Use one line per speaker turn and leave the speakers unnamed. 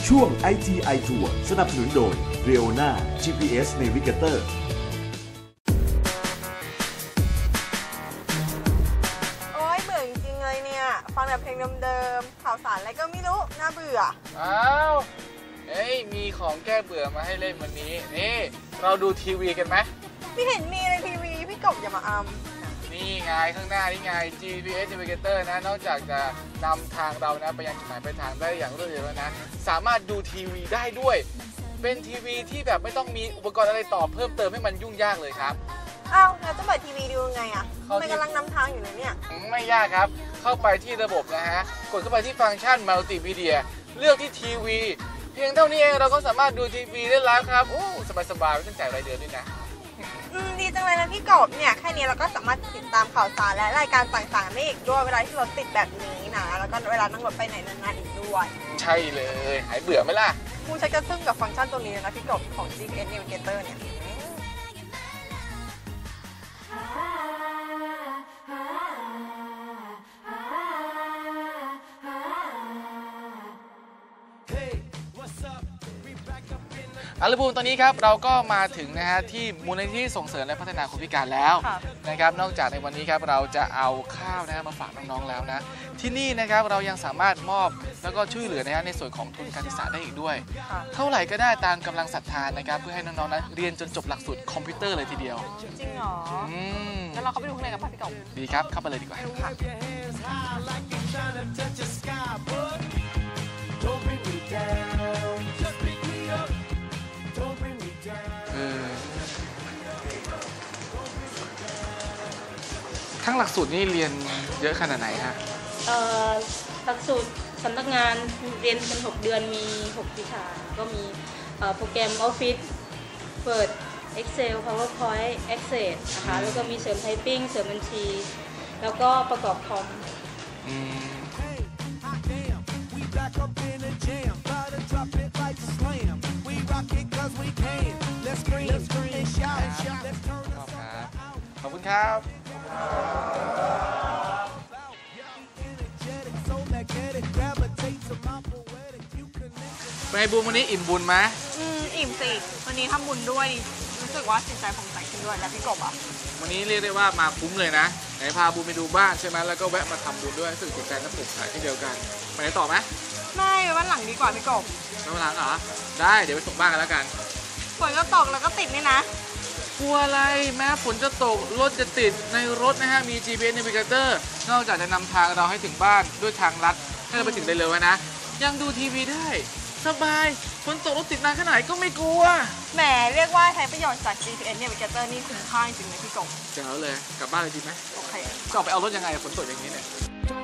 ช่วง ITI Tour สนับสนุนโดย Reona GPS Navigator
ฟังแต่เพลงเดิมๆข่าวสารอะไรก็ไม่รู้น่าเบื่อ
อ้าวมีของแก้เบื่อมาให้เล่นวันนี้นี่เราดูทีวีกันไหม
ไม่เห็นมีในทีวีพี่กบอย่ามาอำ
นี่ไงข้างหน้านี่ไง GPS Navigator นะนอกจากจะนำทางเรานะไปยังจุดหมายปลายทางได้อย่างรวดเร็วแล้วนะสามารถดูทีวีได้ด้วยเป็นทีวีที่แบบไม่ต้องมีอุปกรณ์อะไรต่อเพิ่มเติมให้มันยุ่งยากเลยครับ
อ้าวแล้วจะเปิดทีวีดูยังไงอ่ะมันกำลังนำทางอยู่เลยเนี่ย
ไม่ยากครับเข้าไปที่ระบบนะฮะกดเข้าไปที่ฟังก์ชันมัลติมีเดียเลือกที่ทีวีเพียงเท่านี้เองเราก็สามารถดูทีวีได้แล้วครับโอ้สบายๆไม่ต้องจ่ายรายเดือนด้วยนะ
ดีจังเลยนะพี่กบเนี่ยแค่นี้เราก็สามารถติดตามข่าวสารและรายการต่างๆได้อีกด้วยเวลาที่รถติดแบบนี้นะแล้วก็เวลานั่งรถไปไหนนานๆอีกด้วย
ใช่เลยหายเบื่อไหมล่ะ
กูใช้กระทึ่งกับฟังก์ชันตัวนี้นะพี่กบของ GPS Navigator เนี่ย
อาลูบูมตอนนี้ครับเราก็มาถึงนะฮะที่มูลนิธิส่งเสริมและพัฒนาคนพิการแล้วนะครับนอกจากในวันนี้ครับเราจะเอาข้าวนะฮะมาฝากน้องๆแล้วนะที่นี่นะครับเรายังสามารถมอบแล้วก็ช่วยเหลือนะฮะในส่วนของทุนการศึกษาได้อีกด้วยเท่าไหร่ก็ได้ตามกำลังศรัทธานะครับเพื่อให้น้องๆนั้นเรียนจนจบหลักสูตรคอมพิวเตอร์เลยทีเดียว
จริงเหรองั้นเราเข้าไปดูข้างในกันป่ะพี่กบ
ดีครับเข้าไปเลยดีกว่าทั้งหลักสูตรนี่เรียนเยอะขนาดไหนฮะ
หลักสูตรสำนักงานเรียนเป็น6 เดือนมี6วิชาก็มีโปรแกรม Office Word Excel PowerPoint Access นะคะแล้วก็มีเสริม Typing เสริมบัญชีแล้วก็ประกอบคอม
ขอบคุณครับไปบูมวันนี้อิ่มบุญไหม
อิ่มสิวันนี้ทำบุญด้วยรู้สึกว่าจิตใจผ่องใสขึ้นด้วยแล้วพี่กบอ่ะ
วันนี้เรียกได้ว่ามาคุ้มเลยนะไหนพาบูมไปดูบ้านใช่ไหมแล้วก็แวะมาทำบุญด้วยรู้สึกจิตใจน่าปลุกใสที่เดียวกันไปไหนต่อไหม
ไม่วันหลังดีกว่าพี่กบ
ไปวันหลังเหรอได้เดี๋ยวไปส่งบ้านกันแล้วกัน
ฝนก็ตกแล้วก็ติดนี่นะ
กลัวอะไรแม้ฝนจะตกรถจะติดในรถนะฮะมี GPS Navigator นอกจากจะนำทางเราให้ถึงบ้านด้วยทางลัดให้เราไปถึงได้เลยนะยังดูทีวีได้สบายฝนตกรถติดนานแค่ไหนก็ไม่กลัว
แหมเรียกว่าใช้ประโยชน์จาก GPS Navigator นี่คุ้มค่าจริงๆเลยพี่กบ
เจ๋งเลยกลับบ้านเลยดีไหม
โอเค
ก็ไปเอารถยังไงฝนตกอย่างนี้เนี่ย